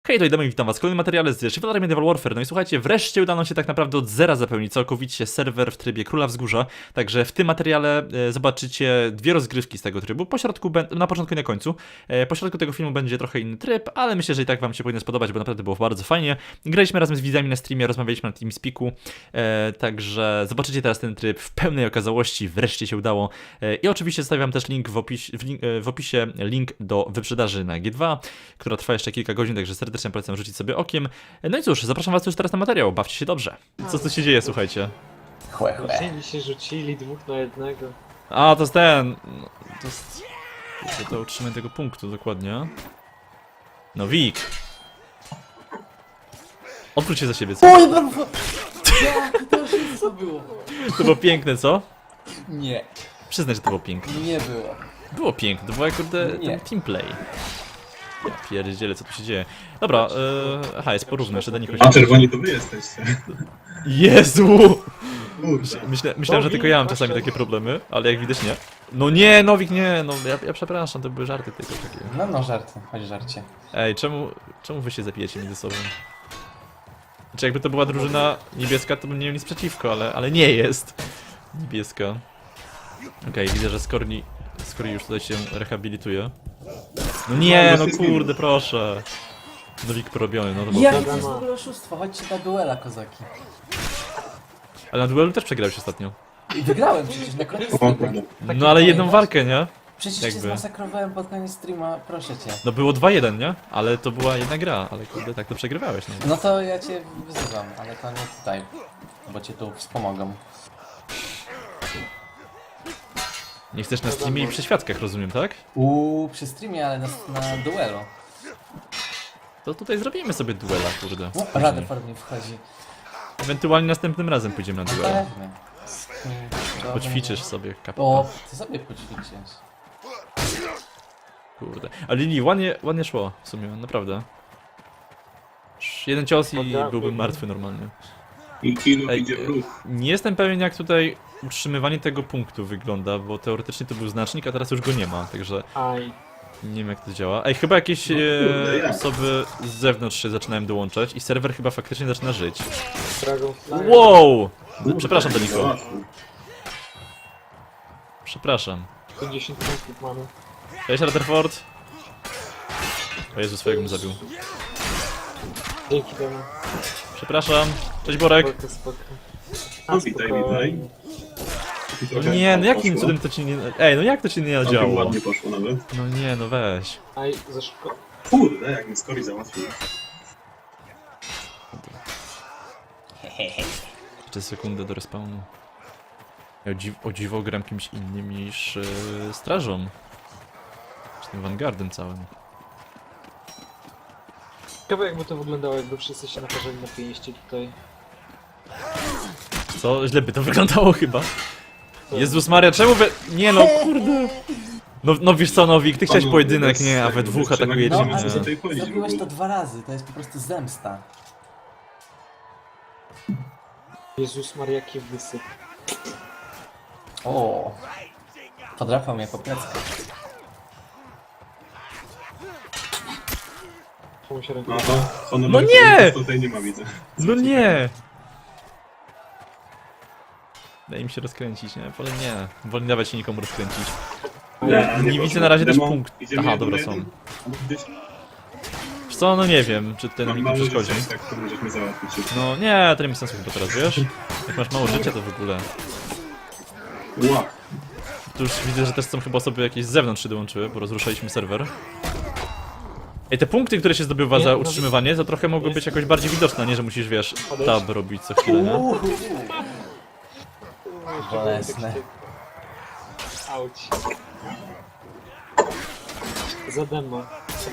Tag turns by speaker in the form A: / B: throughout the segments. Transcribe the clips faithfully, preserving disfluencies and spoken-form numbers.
A: Hej, to Idemy, witam was w kolejnym materiale z Shift Medieval Warfare. No i słuchajcie, wreszcie udało się tak naprawdę od zera zapełnić całkowicie serwer w trybie Króla Wzgórza. Także w tym materiale e, zobaczycie dwie rozgrywki z tego trybu, po środku, na początku i na końcu. E, po środku tego filmu będzie trochę inny tryb, ale myślę, że i tak wam się powinno spodobać, bo naprawdę było bardzo fajnie. Graliśmy razem z widzami na streamie, rozmawialiśmy na TeamSpeaku, e, także zobaczycie teraz ten tryb w pełnej okazałości, wreszcie się udało. E, I oczywiście zostawiam też link w, opis, w, link, e, w opisie, link do wyprzedaży na G dwa, która trwa jeszcze kilka godzin, także serdecznie Serdecznie polecam rzucić sobie okiem. No i cóż, zapraszam was już teraz na materiał, bawcie się dobrze. Co tu się dzieje, słuchajcie?
B: Chłe, chłe.
C: Rzucili się, rzucili dwóch na jednego.
A: A, to jest ten... No, to jest... To, to utrzymanie tego punktu, dokładnie. No, Wik. Odwróć się za siebie, co?
B: Oj, no, jak to wszystko było?
A: To było piękne, co?
B: Nie,
A: Przyznaj, że to było piękne.
B: nie było.
A: Było piękne, to było jak kurde
B: Nie.
A: ten teamplay. Ja pierdzielę, co tu się dzieje. Dobra, yy, aha, jest porówno, jeszcze do nich
D: A czerwoni to wy jesteście.
A: Jezu!
D: Kurde.
A: Myślę, myślałem, że tylko ja mam czasami takie problemy, ale jak widać nie. No nie, Nowik, nie, no ja, ja przepraszam, to były żarty tylko takie.
B: No, no, żarty, chodź żarcie.
A: Ej, czemu, czemu wy się zabijecie między sobą? Znaczy jakby to była drużyna niebieska, to bym nie miał nic przeciwko, ale, ale nie jest niebieska. Okej, widzę, że Skorni, Skorni już tutaj się rehabilituje. No nie, no kurde, proszę. Nowik porobiony, no to było...
B: Jakie to jest w ogóle oszustwo? Chodźcie na duela, kozaki.
A: Ale na duelu też przegrałeś ostatnio.
B: I wygrałem przecież na koniec
D: O
B: streama.
D: kurde.
A: No ale jedną walkę, nie?
B: Przecież cię
A: jakby.
B: zmasakrowałem pod koniec streama, proszę cię.
A: No było dwa jeden, nie? Ale to była jedna gra, ale kurde, tak to przegrywałeś, no.
B: No to ja cię wyzywam, ale to nie tutaj, bo cię tu wspomogą.
A: Nie chcesz na streamie i przy świadkach, rozumiem, tak?
B: Uuu, przy streamie, ale na, na duelu.
A: To tutaj zrobimy sobie duela, kurde.
B: No, Rutherford mi wchodzi.
A: Ewentualnie następnym razem pójdziemy na duela.
B: Pewnie.
A: Poćwiczysz sobie kapitał.
B: O, ty sobie poćwiczysz.
A: Kurde. Ale Lili, ładnie, ładnie szło w sumie, naprawdę. Jeden cios i byłbym martwy normalnie.
D: I kilo
A: Ej,
D: idzie w ruch.
A: nie jestem pewien, jak tutaj utrzymywanie tego punktu wygląda, bo teoretycznie to był znacznik, a teraz już go nie ma, także
C: Aj.
A: nie wiem, jak to działa. Ej, chyba jakieś
D: No kurde,
A: e,
D: jak?
A: osoby z zewnątrz się zaczynają dołączać i serwer chyba faktycznie zaczyna żyć.
C: Dragonfly.
A: Wow!
D: Kurde,
A: Przepraszam, Doniko.
D: załatwił.
A: Przepraszam.
C: pięćdziesiąt punktów mamy.
A: Cześć, Rutherford. O Jezu, swojego bym zabił.
C: Dzięki temu.
A: Przepraszam. Cześć, Borek.
C: Spoko, spoko.
D: No witaj, witaj.
A: No nie, no jakim cudem to ci nie... Ej, no jak to ci nie
D: Całkiem
A: nadziało?
D: ładnie poszło nawet.
A: No nie, no weź.
C: Aj, za szybko.
D: Kurde, jak mnie Skori załatwił.
A: Jeszcze sekundę do respawnu. Ja o, dziw o dziwo gram kimś innym niż yy, strażą. Z tym Vanguardem całym.
C: Ciekawe jakby to wyglądało, jakby wszyscy się naparzali na pięści tutaj.
A: Co? Źle by to wyglądało chyba. Jezus Maria, czemu we... Nie no, kurde. No, no wiesz co, Nowik, ty chciałeś
D: Panowie,
A: pojedynek,
D: bez
A: nie, a
D: tego,
A: we dwóch
D: bez
A: atakujecie
B: No,
D: przewagi.
B: ale
D: co
A: mnie.
D: tutaj chodzi w
B: zrobiłeś to
D: ogóle?
B: dwa razy, to jest po prostu zemsta.
C: Jezus Maria, jaki wysyp.
B: O, podrapał mnie po plecach.
C: Komu się ręką.
D: No to honor
A: No nie!
D: tutaj nie ma, widzę.
A: No nie! Daj mi się rozkręcić, nie? Wolę nie. Wolę nie dawać się nikomu rozkręcić.
D: Nie,
A: Nie
D: poszło.
A: widzę na razie też
D: Demo,
A: punkt.
D: idziemy
A: Aha,
D: jeden
A: dobra,
D: na
A: są.
D: jeden? Albo gdzieś-
A: Wiesz co, no nie wiem, czy tutaj nam
D: Mam
A: nikt
D: mało
A: przeszkodzi.
D: życia, tak to możesz mnie załatwić.
A: No nie, to nie ma sensu chyba teraz, wiesz? Jak masz mało życia, to w ogóle.
D: Ła.
A: Tu już widzę, że też są chyba osoby jakieś z zewnątrz się dołączyły, bo rozruszaliśmy serwer. Ej, te punkty, które się zdobywa
C: Nie,
A: za
C: no
A: utrzymywanie, to trochę mogły być jakoś bardziej widoczne, nie? Że musisz, wiesz,
C: Podejść.
A: tab robić co chwilę, nie?
B: Uuu,
C: Jeszcze
B: bolesne.
C: takie- Auć. Za demo.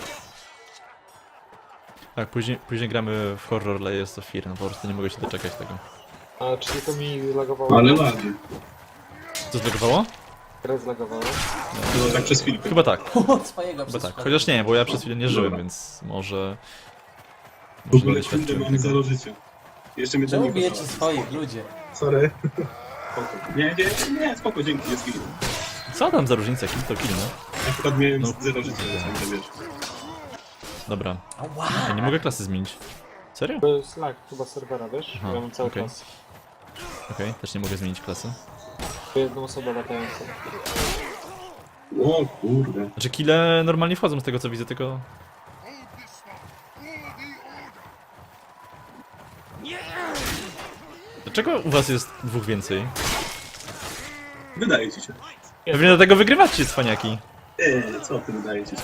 A: Tak, później, później gramy w Horror Layers of Fear, no po prostu nie mogę się doczekać tego.
C: A, czyli to mi zlagowało?
D: Ale ładnie.
A: Co zlogowało?
C: Grę zlagowało.
D: To tak przez chwilkę.
A: Chyba tak,
B: od swojego
A: chyba tak.
B: przeszkodu.
A: Chociaż nie, bo ja przez chwilę nie żyłem,
D: Dobra.
A: więc może...
D: W
A: Może nie
D: ogóle kurde
A: doświadczyłem
D: mam
A: tego.
D: zero życia. Jeszcze mnie to
B: Czemu
D: nie
B: bijecie
D: kosztowało.
B: swoich, ludzie?
D: Sorry. Spoko. Nie, nie, nie, spoko, dzięki, jest git.
A: Co tam za różnica, kill to kill, no?
D: Akurat miałem
A: No.
D: zero życia, więc nie wiesz.
A: Dobra.
B: Ała!
A: Ja nie mogę klasy zmienić. Serio?
C: To jest lag chyba serwera, wiesz?
A: Aha,
C: Ja mam cały
A: okej.
C: czas.
A: Okej, też nie mogę zmienić klasy.
C: To jedną osobę latającą.
D: O kurde.
A: Znaczy kile normalnie wchodzą z tego co widzę, tylko... Dlaczego u was jest dwóch więcej?
D: Wydaje ci się.
A: Pewnie dlatego wygrywacie, cwaniaki.
D: Eee, co ty wydaje ci się?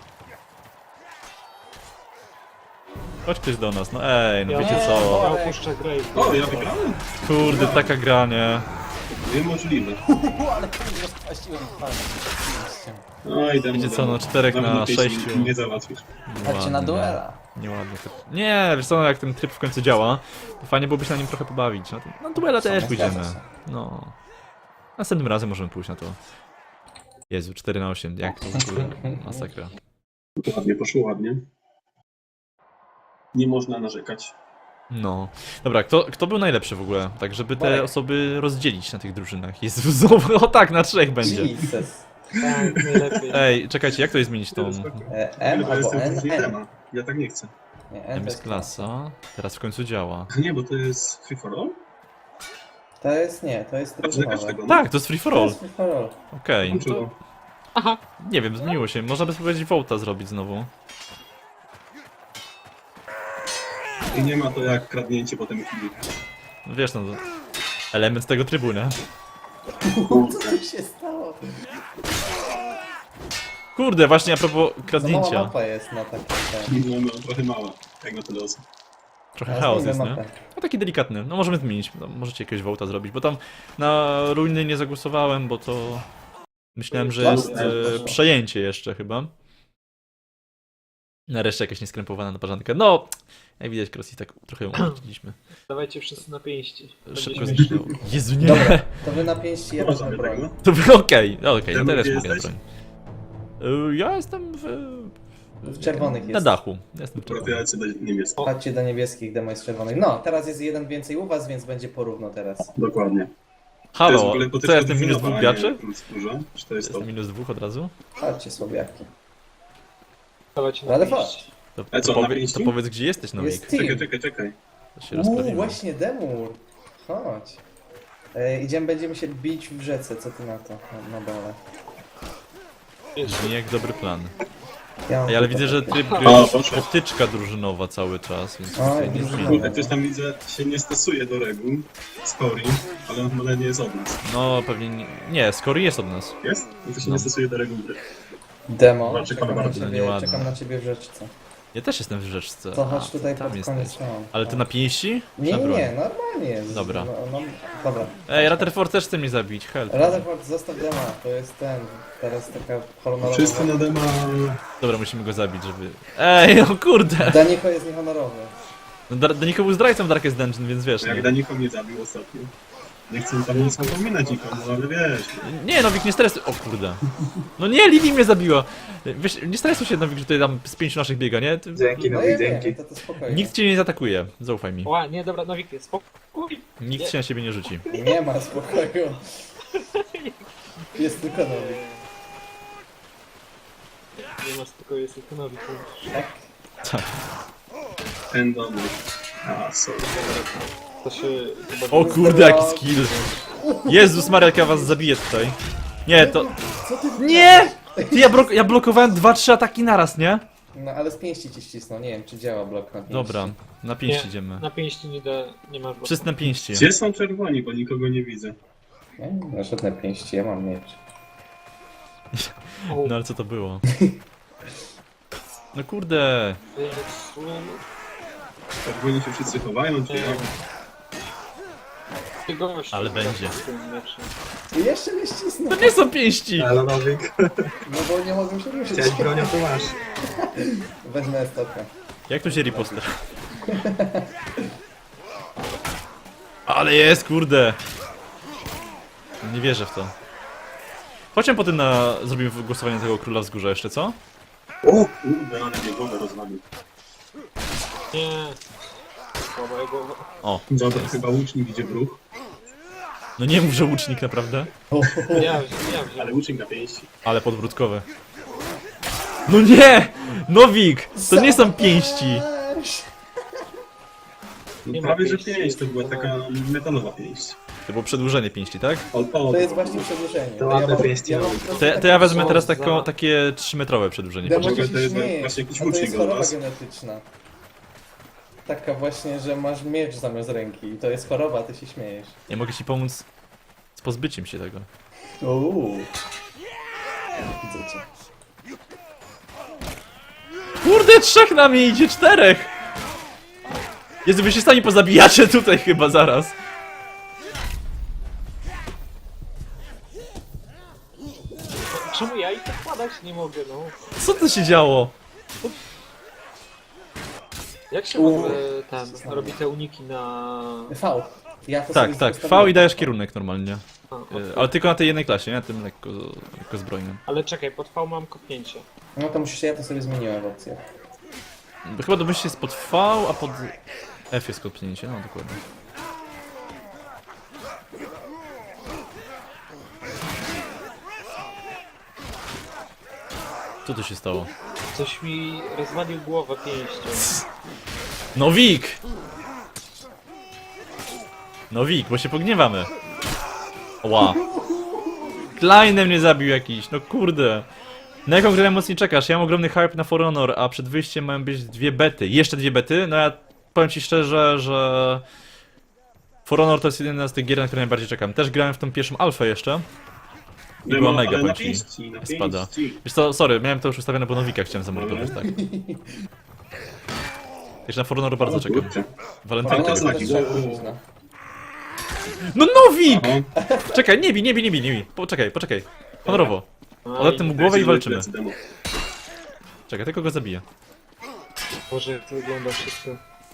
A: Chodź ktoś do nas, no ej, no
C: Ja,
A: wiecie
C: ja
A: co?
C: opuszczę grę i...
D: O, ja wygrałem?
A: Kurde, taka gra, nie?
D: Niemożliwe.
B: Uhu, ale kurde, rozpaściłem fajnie.
D: Oj, demo,
A: Wiecie co,
D: demo.
A: no czterech
D: Nawet
A: na
D: pieśni
A: sześciu.
D: Nie załatwisz.
B: Chodźcie na duela.
A: Nieładnie. to- Nie, wiesz co, no jak ten tryb w końcu działa, to fajnie byłoby się na nim trochę pobawić. No, to, no duela też
B: Nie
A: pójdziemy.
B: zgadza się.
A: No. Następnym razem możemy pójść na to. Jezu, cztery na osiem, jak to w ogóle masakra.
D: Ładnie, poszło ładnie. Nie można narzekać.
A: No. Dobra, kto, kto był najlepszy w ogóle? Tak, żeby te
B: Marek.
A: osoby rozdzielić na tych drużynach. Jezu, znowu, o tak, na trzech będzie.
B: Jesus.
C: Tak, najlepiej.
A: Ej, czekajcie, jak to jest zmienić tą...
B: E, M
D: Ale to
B: albo
D: jestem
B: N,
D: później
B: N.
D: dema. Ja tak nie chcę.
B: Nie, N
A: Tam
B: to
A: jest klasa. Teraz w końcu działa.
D: A nie, bo to jest free for all?
B: To jest nie, to jest
D: Patrz na
B: trybunowe.
D: każdego. no.
A: Tak, to jest free for
B: To
A: all.
B: jest free for all.
A: Okej, no
D: Włączyło.
A: to nie wiem, zmieniło się. Można by spróbować Vołta zrobić znowu.
D: I nie ma to jak kradnięcie potem chwili.
A: No wiesz, no to element tego trybu, nie?
B: Co tu się stało?
A: Kurde, właśnie a propos
B: Za mała
A: kradnięcia.
B: mapa jest na takim ten.
D: No, no, trochę mała, jak na tyle osób.
A: Trochę
B: Teraz
A: chaos
B: zmienimy
A: jest, nie?
B: mapę.
A: No taki delikatny. No możemy zmienić. No, możecie jakiegoś Vołta zrobić, bo tam na ruiny nie zagłosowałem, bo to... Myślałem, że jest e, przejęcie jeszcze chyba. Nareszcie jakaś nieskrępowana naparzanka. No, jak widać, Crossy tak trochę ją uczyliśmy.
C: Dawajcie wszyscy na pięści. Będzie
A: Szybko
C: śmiesznie.
A: zniknął. Jezu, nie!
B: Dobra, to wy na pięści, ja
D: Można
B: wezmę
D: by tak,
B: broń.
D: no.
A: To było okej, okay. okej,
D: Demo,
A: okay. teraz
D: gdzie
A: mogę na
D: jesteś?
A: broń. Y, Ja jestem w...
B: W czerwonych
A: Na
B: jest.
A: dachu. Ja Jestem w
D: Akurat
A: czerwonym.
D: ja lecę do niebieskiego.
B: Chodźcie do niebieskich, demo jest czerwonych. No, teraz jest jeden więcej u was, więc będzie porówno teraz.
D: Dokładnie. To jest w
A: Halo,
D: ogóle
A: co
D: potyczka
A: ja jestem minus
D: drużynowa,
A: dwóch
D: a nie
A: graczy?
D: plus dużo. Czy to jest to?
A: Jestem minus dwóch od razu?
B: Chodźcie słabiaki.
C: Dawajcie na
B: Ale
C: pięści.
B: chodź.
A: To,
D: Ale co,
A: to,
D: na
A: powie,
D: pięści?
A: to powiedz, gdzie jesteś, Nowik.
B: Jest team.
D: Czekaj, czekaj, czekaj.
A: To się
B: Uuu,
A: rozprawimy.
B: właśnie demur. Chodź. E, idziemy, będziemy się bić w rzece, co ty na to? Na, na dole.
A: Brzmi jak dobry plan.
B: Ja mam
A: Ej, ale
B: tylko
A: widzę, że
B: takie-
A: tryb gry
D: O,
A: jest
D: proszę.
A: potyczka drużynowa cały czas, więc
B: Oj,
A: tutaj nie
B: drużynowa.
A: zmieni.
D: Kurde, ktoś tam widzę się nie stosuje do reguł Scori, ale on chyba nie jest od nas.
A: No, pewnie nie. Nie, Skory jest od nas.
D: Jest? No to się
A: No.
D: nie stosuje do reguł gry.
B: Demo,
D: Bardzo
B: czekam na,
D: bardzo
B: ciebie,
A: nieładne.
B: czekam na ciebie w rzeczce.
A: Ja też jestem w rzeczce.
B: To chodź
A: A,
B: tutaj
A: tam
B: pod
A: jesteś.
B: koniec tam.
A: Ale ty na pięści?
B: Nie,
A: Na
B: nie,
A: broń?
B: nie, normalnie jest.
A: Dobra.
B: No, no, dobra.
A: Ej, Rutherford też chce mnie zabić, help.
B: Rutherford, zostaw dema, to jest ten, teraz taka honorowa...
D: Wszyscy na dema...
A: Dobra, musimy go zabić, żeby... Ej, no kurde!
B: Daniko jest niehonorowy.
A: No, Dar- Daniko był zdrajcą Darkest Dungeon, więc wiesz,
D: Jak
A: nie?
D: Daniko mnie zabił ostatnio. Nie chcę tam nic napominać nikomu, ale wiesz.
A: Nie, Nowik, nie stresuj. O kurde. No nie, Lili mnie zabiła. Wiesz, nie stresuj się, Nowik, że tutaj tam z pięciu naszych biega, nie? Ty...
D: Dzięki,
B: No ja wiem, to, to spokojnie.
A: Nikt cię nie zaatakuje, zaufaj mi.
C: Ła, nie, dobra, Nowik, spokój.
A: Nikt się na ciebie nie rzuci.
B: Nie ma spokoju. Jest tylko nowy.
C: Nie masz tylko jest tylko Nowik.
B: Tak?
D: Ten domy. A, sorry.
C: To się chyba...
A: O kurde, jaki skill. Jezus Maria, jak ja was zabiję tutaj. Nie, to...
B: Co ty
A: Nie! Ty, ja, blok ja blokowałem dwa trzy ataki naraz, nie?
B: No ale z pięści ci ścisnął, nie wiem czy działa blok na pięści.
A: Dobra, na pięści
C: Nie,
A: idziemy.
C: na pięści nie da, nie masz bloku.
A: Wszyscy na pięści.
D: Gdzie są czerwoni, bo nikogo nie widzę.
B: Nie, na żadne pięści, ja mam miecz.
C: O,
A: No ale co to było? No kurde.
C: Jezu.
D: Czerwoni się wszyscy chowają, czy
C: Nie.
D: jak?
C: Ty gościu,
A: Ale będzie.
C: z tym meczem.
B: I jeszcze mnie ścisnął.
A: To nie są pięści!
D: Ale Nowik,
B: No bo nie mogłem się ruszyć.
D: chciałeś bronią, to masz.
B: Wezmę estotkę.
A: Jak tu się riposter? Ale jest, kurde! Nie wierzę w to. Chodźmy potem na... zrobimy głosowanie na tego króla wzgórza jeszcze, co?
D: O kurde, ale mnie głowę rozwalił.
C: Nie. Słaba jego...
A: O,
D: Dobra, chyba łucznik idzie w ruch,
A: no nie mów, że łucznik naprawdę.
C: Ja, ja wziąłem.
D: ale łucznik na pięści.
A: Ale podwrótkowe. No nie! Nowik! To nie są pięści!
B: Zobacz!
D: No,
C: Nie ma
D: prawie, że
C: pięści.
D: pięść, to była taka metalowa pięść.
A: To było przedłużenie pięści, tak?
D: O, o,
B: To jest właśnie przedłużenie.
E: To ładne
B: mam-
E: pięści
B: mam
E: robi.
B: po prostu
A: To, ja- to
B: takie-
A: ja wezmę
C: Co
A: teraz
C: za-
A: taką, takie trzymetrowe przedłużenie.
B: Demo
A: Patrz.
D: Może
B: się
D: to jest
B: śmiejesz,
D: właśnie jakiś
B: a to
D: łucznik
B: jest
D: od
B: choroba
D: was.
B: genetyczna. Taka właśnie, że masz miecz zamiast ręki i to jest choroba, a ty się śmiejesz.
A: Ja mogę ci pomóc z pozbyciem się tego.
B: Uuu. Widzę cię.
A: Kurde, trzech na mnie idzie, czterech! Jezu, wy się sami pozabijacie tutaj chyba zaraz.
C: Czemu ja i tak padać nie mogę, no?
A: Co to się działo?
C: Jak się w
B: U.
C: ogóle ten robi te uniki na...
B: V. Ja to
A: Tak,
B: sobie
A: tak,
B: zostawiłem.
A: V i dajesz kierunek normalnie.
C: A,
A: E, Ale tylko na tej jednej klasie, nie? Tym lekko, lekko zbrojnym.
C: ale czekaj, pod V mam kopnięcie.
B: No to musisz, ja to sobie zmieniłem w opcję.
A: Bo chyba domyślnie jest pod V, a pod F jest kopnięcie, no dokładnie. Co tu się stało?
C: Coś mi rozwalił głowę pięścią.
A: Nowik! Nowik, bo się pogniewamy. Ła. Kleinem mnie zabił jakiś, no kurde. Na jaką grę mocniej czekasz? Ja mam ogromny hype na For Honor, a przed wyjściem mają być dwie bety. Jeszcze dwie bety? No ja powiem ci szczerze, że... For Honor to jest jedna z tych gier, na które najbardziej czekam. Też grałem w tą pierwszą alfę jeszcze. I była
D: Demo,
A: mega,
D: ale na
A: powiem ci.
D: pięści, na
A: Spada.
D: pięści.
A: Wiesz co, sorry, miałem to już ustawione, bo Nowika chciałem zamordować, tak. Jeszcze na For Honor bardzo
D: O,
A: czekam.
D: kurczę.
A: Walentynkę
D: Fajna
A: wychodzi.
D: znaki.
A: No Nowik!
D: Aha.
A: Czekaj, nie bij, nie bij, nie bij, nie bij. Poczekaj, poczekaj. Honorowo. Odetnę mu głowę i walczymy.
D: Plecy, demo.
A: Czekaj, tylko go zabiję.
C: Boże, jak to wygląda wszystko.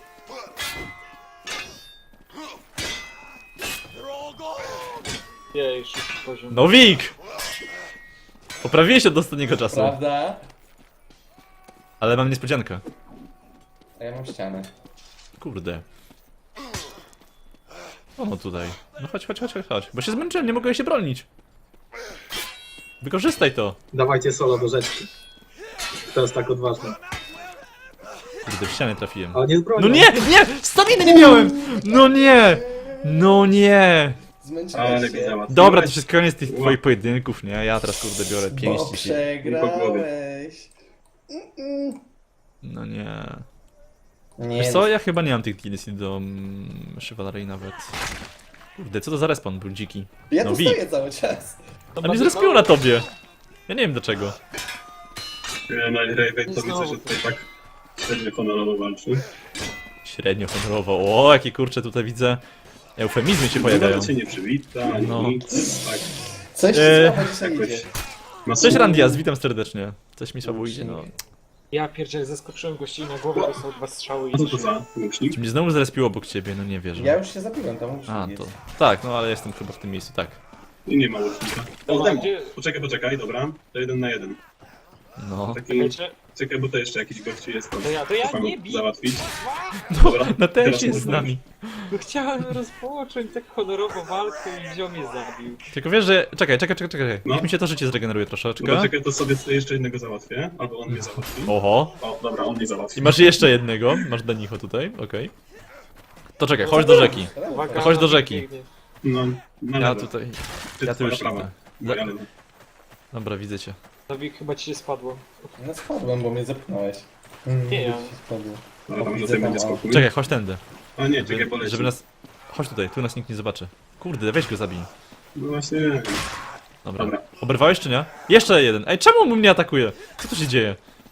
C: Jej, szósty poziom.
A: Nowik! Poprawiłeś się od ostatniego czasu.
B: Prawda?
A: Ale mam niespodziankę.
B: A ja mam ścianę.
A: Kurde. O no tutaj. No chodź, chodź, chodź, chodź, chodź. Bo się zmęczyłem, nie mogę się bronić. Wykorzystaj to.
E: Dawajcie solo do rzeczki. To jest tak odważne.
A: Kurde, w ścianę trafiłem.
E: Ale nie zbronią.
A: No nie, nie! Staminy nie miałem! No nie! No nie!
B: Zmęczyłeś
D: Ale
B: się.
D: mnie załatwiłeś.
A: Dobra, to jest koniec tych
D: Ła.
A: twoich pojedynków, nie? Ja teraz kurde biorę
B: Bo
A: pięści się.
B: przegrałeś. Mm-mm.
A: No nie.
B: Nie,
A: Wiesz co, ja chyba nie mam tych D L C do mm, Chivalry nawet. Kurde, co to za respawn był dziki?
B: ja
A: no
B: tu
A: Wik.
B: stoję cały czas.
A: A mnie zrespiło na tobie. Ja nie wiem dlaczego.
D: Ja na Raven to widzę,
C: Znowu.
D: że tutaj tak średnio honorowo walczy.
A: Średnio honorowo. O, jakie kurcze tutaj widzę. Eufemizmy się pojawiają.
D: Nawet się nie przywita, ani
A: No.
D: nic. Tak.
B: Coś
A: Eee,
B: ci słabo dzisiaj
D: Jakoś...
B: idzie.
D: Mas-
A: Cześć Randias, witam serdecznie. Coś mi słabo idzie, no.
C: Ja pierdzielę, zaskoczyłem gości na głowę, dostał dwa strzały i...
D: A co to za łucznik?
A: Czy mnie znowu zrespiło obok ciebie? No nie wierzę.
B: Ja już się zabiłem, tam już
A: A,
B: jest.
A: to... Tak, no ale jestem chyba w tym miejscu, tak.
D: I nie ma łucznika. O,
C: Dobra,
D: demo.
C: gdzie-
D: Poczekaj, poczekaj, dobra. To jeden na jeden.
A: No.
D: Taki...
C: Czekajcie,
D: Czekaj, bo to jeszcze jakiś gościu jest tam.
C: to ja, to ja
D: Tam
C: nie bij!
D: załatwić.
A: No,
D: Dobra,
A: na
D: teraz
A: też jest z
D: można.
A: nami.
C: No chciałem rozpocząć tak honorowo walkę i ziom mnie zabił.
A: Tylko wiesz, że... Czekaj, czekaj, czekaj, czekaj.
D: No.
A: Niech mi się to życie zregeneruje
D: No
A: troszeczkę.
D: poczekaj, to sobie jeszcze jednego załatwię. Albo on mnie załatwi.
A: Oho.
D: O, dobra, on mnie załatwi.
A: I masz jeszcze jednego. Masz Danicho tutaj, okej. To czekaj, chodź do rzeki.
C: Uwaga,
A: Chodź do
C: Nowik
A: rzeki.
C: biegnie.
D: No, na
A: Ja
D: lewo.
A: tutaj...
D: Ty,
A: ja tu
D: twoja
A: już
D: prawa.
A: idę.
D: Moja lewa.
A: Dobra, widzę cię.
C: Nowik, chyba ci się spadło.
B: No spadłem, bo mnie zepchnąłeś. Mm,
C: Nie ja.
B: ci spadło.
D: Dobra, tam
B: widzę
D: tutaj będzie
B: tam, o.
D: spokój.
A: Czekaj, chodź tędy.
D: A nie, czekaj,
A: Żeby,
D: poleci.
A: żeby nas... Chodź tutaj, tu nas nikt nie zobaczy. Kurde, weź go zabij.
D: No właśnie, nie wiem.
A: Dobra.
D: Dobra.
A: Oberwałeś czy nie? Jeszcze jeden. Ej, czemu on mnie atakuje? Co tu się dzieje?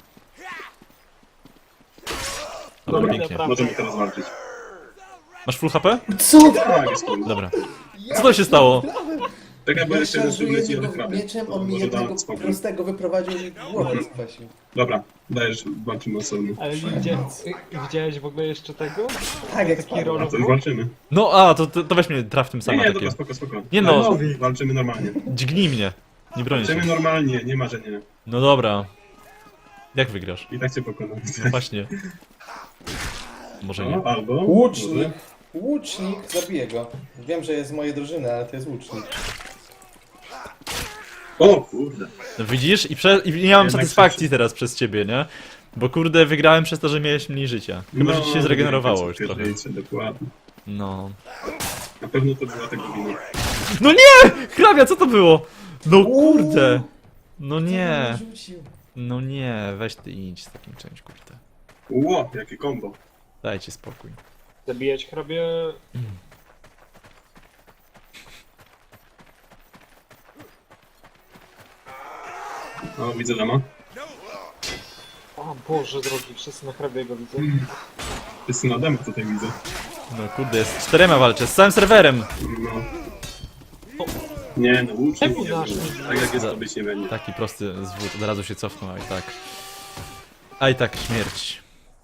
A: Dobra,
D: Dobra,
A: pięknie.
C: Naprawdę.
D: możemy teraz walczyć.
A: Masz full H P?
B: Co?
D: Tak, jest koniec.
A: Dobra. Co to się stało?
D: Czekaj, bo
B: Ja
D: jeszcze jeden
B: szarżuję
D: leci, ale
B: jego
D: prawie.
B: mieczem, on mi
D: Może
B: jednego
D: dam spokój.
B: prostego wyprowadził i głowę skwasił.
D: Dobra, dajesz, walczymy osobno.
C: Ale widzia, widziałeś w ogóle jeszcze tego?
B: Tak, jak
C: Taki
B: spadłem.
C: rolo-
D: A to już walczymy.
A: No, a, to, to, to weź mnie traf tym
D: Nie,
A: sama
D: nie,
A: takie.
D: dobra, spoko, spoko.
A: Nie no.
D: Walczymy, walczymy normalnie.
A: Dźgnij mnie. Nie bronię
D: Walczymy
A: się.
D: normalnie, nie ma, że nie.
A: No dobra. Jak wygrasz?
D: I tak cię pokonam.
A: No właśnie. Może nie.
D: No, albo...
B: Łucznik.
D: może-
B: Łucznik, zabiję go. Wiem, że jest z mojej drużyny, ale to jest łucznik.
D: O kurde.
A: No widzisz? I, prze... I nie mam
D: Jednak
A: satysfakcji teraz przez ciebie, nie? Bo kurde, wygrałem przez to, że miałeś mniej życia. Chyba, że ci się zregenerowało już trochę.
D: Wiecie, dokładnie.
A: No.
D: Na pewno to była tego wina.
A: No nie! Hrabia, co to było? No kurde! No nie!
B: Ty mnie rzucił.
A: No nie, weź ty idź z takim czymś, kurde.
D: Ło, jakie kombo.
A: Dajcie spokój.
C: Zabijać hrabie...
D: O, widzę dama.
C: O Boże drogi, wszyscy na hrabiego widzę.
D: Wszyscy na dama tutaj widzę.
A: No kurde, z czterema walczę, z całym serwerem!
D: No. Nie, no łucznik
C: Czemu
D: nie
C: nasz
D: będzie.
C: nie-
D: Tak jak jest, to być nie będzie.
A: Taki prosty zwód, od razu się cofnął, a i tak. A i tak śmierć.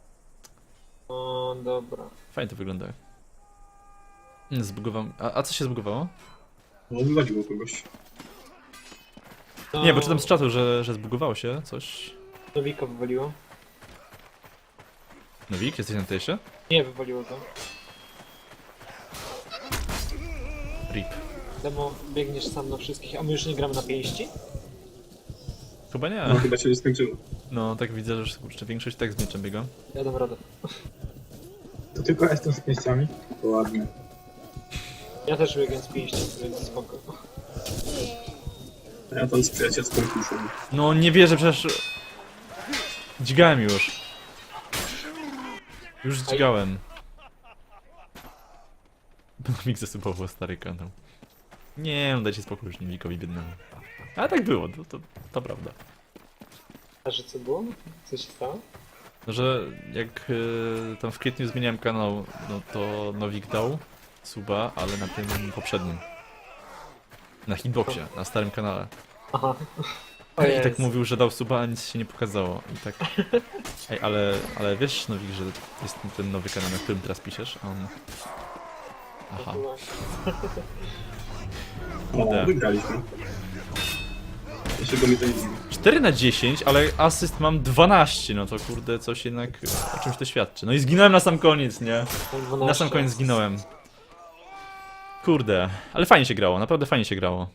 C: O, dobra.
A: Fajnie to wygląda. Mm, Zbugował. A, a co się zbugowało?
D: No, wywaliło kogoś.
C: No,
A: Nie, bo czytam z czatu, że, że zbugowało się coś.
C: Nowika wywaliło.
A: Nowik, jesteś na tejsie?
C: Nie, wywaliło to.
A: Rip.
C: Demo, biegniesz sam na wszystkich, a my już nie gramy na pięści?
A: Chyba nie.
D: No, chyba się już skończyło.
A: No, tak widzę, że już, kurczę, większość tak z mieczem biega.
C: Ja dam radę.
E: To tylko jestem z pięściami.
D: To ładnie.
C: Ja też biegam z pięści, więc spoko.
D: A ja tam z przyjacielską kuszą.
A: No, nie wierzę, przecież... Dźgałem już. Już dźgałem. Nowik zasubował stary kanał. Nie, no dajcie spokój już Nowikowi biednemu. Ale tak było, to, to, to prawda.
C: A że co było? Co się stało?
A: No, że jak y, tam w kwietniu zmieniałem kanał, no to Nowik dał suba, ale na tym poprzednim. Na hitboxie, na starym kanale.
C: Aha. O
A: I
C: Jezu.
A: tak mówił, że dał suba, a nic się nie pokazało. I tak... Ej, ale, ale wiesz, Nowik, że jest ten nowy kanał, na którym teraz piszesz? A on... Aha. Kurde.
D: O, wygraliśmy. Dlaczego mi to nie dziwi?
A: cztery na dziesięć, ale asyst mam dwanaście, no to kurde, coś jednak o czymś to świadczy. No i zginąłem na sam koniec, nie? Na sam koniec zginąłem. Kurde, ale fajnie się grało, naprawdę fajnie się grało.